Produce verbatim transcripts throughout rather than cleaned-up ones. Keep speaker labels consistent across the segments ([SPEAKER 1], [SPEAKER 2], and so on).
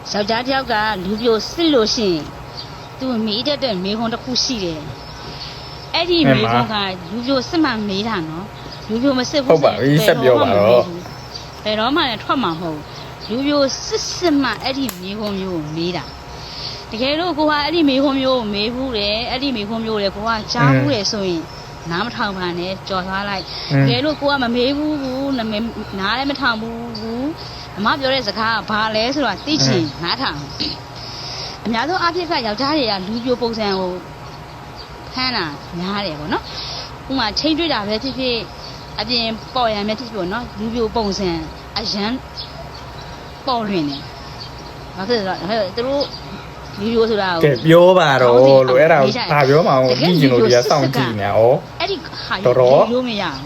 [SPEAKER 1] ယောက်ျားတစ်ယောက်ကလူပြိုစစ်လို့ရှိရင်သူမေးတတ်တဲ့မေခွန်းတစ်ခုရှိတယ်အဲ့ဒီမေခွန်းကလူပြိုစစ်မှမေးတာနော်လူပြိုမစစ်ဘူး
[SPEAKER 2] ဟုတ်ပါပြီဆက်ပြောပါတော့
[SPEAKER 1] ဘယ်တော့မှလည်းထွက်မှာမဟုတ်လူပြိုစစ်စစ်မှအဲ့ဒီမေခွန်းမျိုးကိုမေးတာတကယ်လို့ကိုကအဲ့ဒီမေခွန်းမျိုးကိုမေးဘူးတယ်အဲ့ဒီမေခွန်းမျိုးလေကိုကကြားဘူးတယ်ဆိုရင်နားမထောင်ပါနဲ့ကြော်သွားလိုက်တကယ်လို့ကိုကမမေးဘူးဘူးနားလည်းမထောင်ဘူးဘူးအမပြောတဲ့စကားကဘာလဲဆိုတော့သိချင်နားထောင်အများဆုံးအဖြစ်ကယောက်ျားတွေကလူပြိုပုံစံကိုဖမ်းတာများတယ်ပေါ့နော်ဥမာချိန်တွေ့တာပဲဖြစ်ဖြစ်အပြင်ပေါ်ရံပဲဖြစ်ဖြစ်ပေါ့နော်လူပြိုပုံစံအရန်ပေါ်လွင်တယ်ဘာဖြစ်လဲဆိုတော့သူတို့လူပြိုဆိုတာကို
[SPEAKER 2] ကဲပြောပါတော့လို့အဲ့ဒါကိုဘာပြောမှအောင်ပြီးကျင်လို့ဒီကစောင့်ကြည့်နေဩ
[SPEAKER 1] အဲ့ဒီဟာရိုးမရအောင်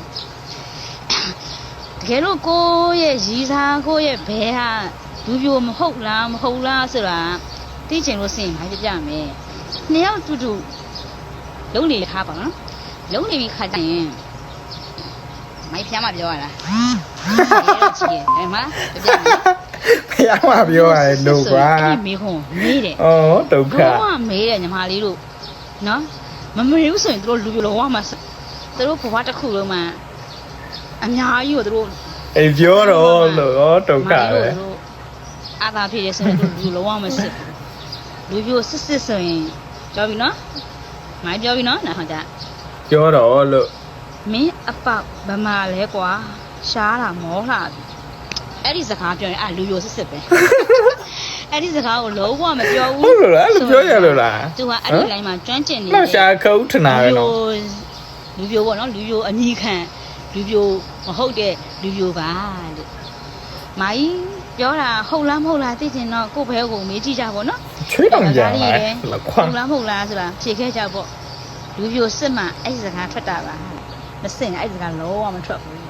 [SPEAKER 1] တကယ်လို့ကိုရဲ့ရီစားကိုရဲ့ဘဲဟာလူပြိုမဟုတ်လားမဟုတ်လားဆိုတာသိချင်လို့စင်ဘာပြပြမယ်နှစ်ယောက်တူတူလုံးနေထားပါနော်လုံးနေပြီးခါကြရင်မိုက်ဖျားမပြောရလားရဲချီတယ်မလားပြပြမယ်
[SPEAKER 2] ဖျားမပြောရတယ်လို့ကွာ
[SPEAKER 1] အဲ့ဒီမေခွန်မေးတယ်
[SPEAKER 2] ဩဒုက္ခ
[SPEAKER 1] ဘာမှမေးတယ်ညီမလေးတို့နော်မမေးဘူးဆိုရင်တို့လူပြိုလောကမှာတို့ဘဝတစ်ခုလုံးမှာအများကြီးကိုတို့
[SPEAKER 2] အေးပြောတော့လို့ဒုက္ခပဲ
[SPEAKER 1] အာသာဖြစ်ရဆိုရင်လူလောကမှာစစ်လူပြိုစစ်စစ်ဆိုရင်ကြောက်ပြီနော်မိုင်းပြောပြီနော်နားဟောကြ
[SPEAKER 2] ပြောတော့လို့
[SPEAKER 1] မင်းအပေါက်ဗမာလဲကွာရှားတာမောလှပြီအဲ့ဒီစကားပြောရင်အာလူပြိုစစ်စစ်ပဲအဲ့ဒီစကားကိုလုံးဝမပြောဘူး
[SPEAKER 2] ဟုတ်လို့လားအဲ့လိုပြောရလို့လား
[SPEAKER 1] သူကအဲ့ဒီ line မှာကျွမ်းကျင်နေတယ်
[SPEAKER 2] လောက်ရှာခုတ်ထနာပဲနော်
[SPEAKER 1] လူပြိုပေါ့နော်လူပြိုအညီခံလူပြိုမဟုတ်တဲ့လူပြိုပါလို့မိုင်းပြောတာဟုတ်လားမဟုတ်လားသိချင်တော့ကို့ဘဲကိုမေးကြည့်ကြပါနော်
[SPEAKER 2] ချွေးတောင်ကြတယ်
[SPEAKER 1] ဟုတ်လားမဟုတ်လားဆိုတာဖြေခဲ့ကြပေါ့လူပြိုစစ်မှအဲ့ဒီစကားထွက်တာပါမစင်အဲ့ဒီစကားလုံးဝမထွက်ဘူး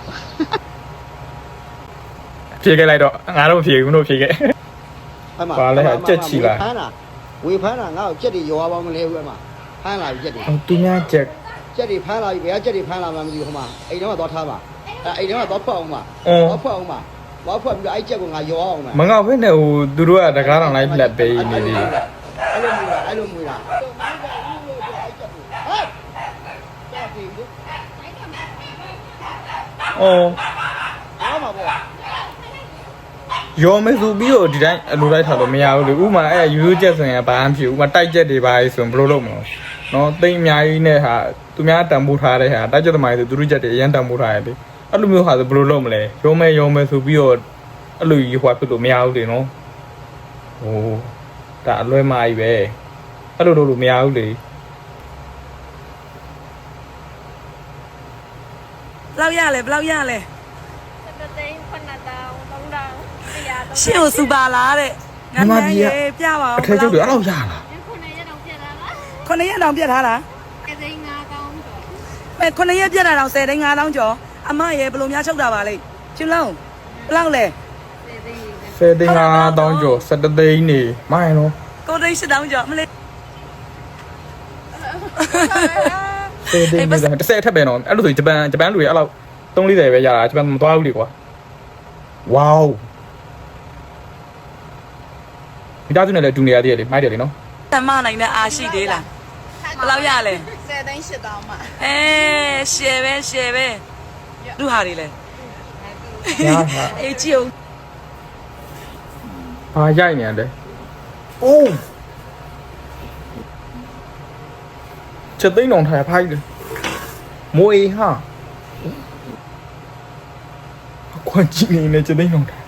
[SPEAKER 2] ဖြေခဲ့လိုက်တော့ငါတို့ဖြေဘူးတို့ဖြေခဲ့
[SPEAKER 3] အဲ့မှာ
[SPEAKER 2] ဘာလဲကြက်ချီလာ
[SPEAKER 3] ဖမ်းတာဝေဖမ်းတာငါ့ကိုကြက်တွေရောပါမလဲဘူးအဲ့မှာဖမ်းလာပြီကြက်တွေ
[SPEAKER 2] သူများကြက်
[SPEAKER 3] ကြက်တွေဖမ်းလာပြီဘယ်ကကြက်တွေဖမ်းလာမှမသိဘူးဟိုမှာအိမ်ထဲမှာသွားထားပါအဲ့အိမ်ထဲမှာသွားဖွက်အောင်ပါသွားဖွက်အောင်ပါသွားဖွက်ပြီးတော့အဲ့ကြက်ကိုငါရောအောင်ပါ
[SPEAKER 2] မငေါ့ဖက်နဲ့ဟိုသူတို့ကတကားတော်လိုက်ပြတ်ပေးနေသေး
[SPEAKER 3] အဲ့လိုမျိုးလားအဲ့လိုမျိုးလား
[SPEAKER 2] အော်
[SPEAKER 3] ရောမှာပေါ့
[SPEAKER 2] ရောမဲဆိုပြီးတော့ဒီတိုင်းအလိုလိုက်ထားလို့မရဘူးလေဥမာအဲ့ရိုးရိုးချက်ဆိုရင်ဘာမှမဖြစ်ဘူးဥမာတိုက်ချက်တွေပါဆိုရင်ဘယ်လိုလုပ်မလဲနော်တိတ်အများကြီးနဲ့ဟာသူများတန်ဖိုးထားတဲ့ဟာတိုက်ချက်သမားတွေဆိုသူတို့ချက်တွေအရင်တန်ဖိုးထားရတယ်အဲ့လိုမျိုးဟာဆိုဘယ်လိုလုပ်မလဲရောမဲရောမဲဆိုပြီးတော့အဲ့လိုကြီးဟွာဖြစ်လို့မရဘူးလေနော်ဟိုဒါအလွဲမာကြီးပဲအဲ့လိုလုပ်လို့မရဘူးလေ
[SPEAKER 4] ဘယ်လောက်ရလဲဘယ်လောက်ရလဲ
[SPEAKER 5] တသိန်းခုနှစ်တောင်းသုံးတောင်းတရားသုံး
[SPEAKER 4] ရှင်းကိုစူပါလားတဲ့ငါမကြီးပြပါအောင်
[SPEAKER 2] အထက်ကျုပ်တွေအဲ့လောက်ရလား
[SPEAKER 5] ခုနှစ်ရက်တောင်ပြတ်လာလား
[SPEAKER 4] ခုနှစ်ရက်တောင်ပြတ်ထားတာ
[SPEAKER 5] တသိန်းငါးတောင်းကျော်
[SPEAKER 4] အဲခုနှစ်ရက်ပြတ်တာတောင်ဆယ်သိန်းငါးတောင်းကျော်အမရဲ့ဘယ်လိုများချုပ်တာပါလဲကျွလုံးဘယ်လောက်လဲ
[SPEAKER 2] ဆယ်သိန်းငါးတောင်းကျော်ဆယ်တသိန်းနေမိုင်းနော်
[SPEAKER 4] ကိုသိန်းရှစ်တောင်းကျော်မလေး
[SPEAKER 2] ဆယ်သိန်းနေတစ်ဆယ်ထက်ပဲနော်အဲ့လိုဆိုဂျပန်ဂျပန်လူတွေအဲ့လောက်သုံးလေးတယ်ပဲရတာဂျပန်မသွားဘူးလေကွာဝေါမိသားစုနဲ့လည်းတူနေရသေးတယ်လေမိုက်တယ်လေနော်
[SPEAKER 4] တမနိုင်တဲ့အားရှိသေးလားဘယ်လောက်ရလဲ
[SPEAKER 5] ဆယ်သိန်းရှစ်တောင်းမှ
[SPEAKER 4] အဲရှယ်ပဲရှယ်ပဲလူဟာတွေလဲ
[SPEAKER 2] ရပါ
[SPEAKER 4] အေးကြည့်အောင်
[SPEAKER 2] ဟာရိုက်နေရတယ်အိုးချက်သိန်းအောင်ထားဖိုက်တယ်မိုးအေးဟာခွန်ကြီးနေနဲ့ချက်သိန်းအောင်ထား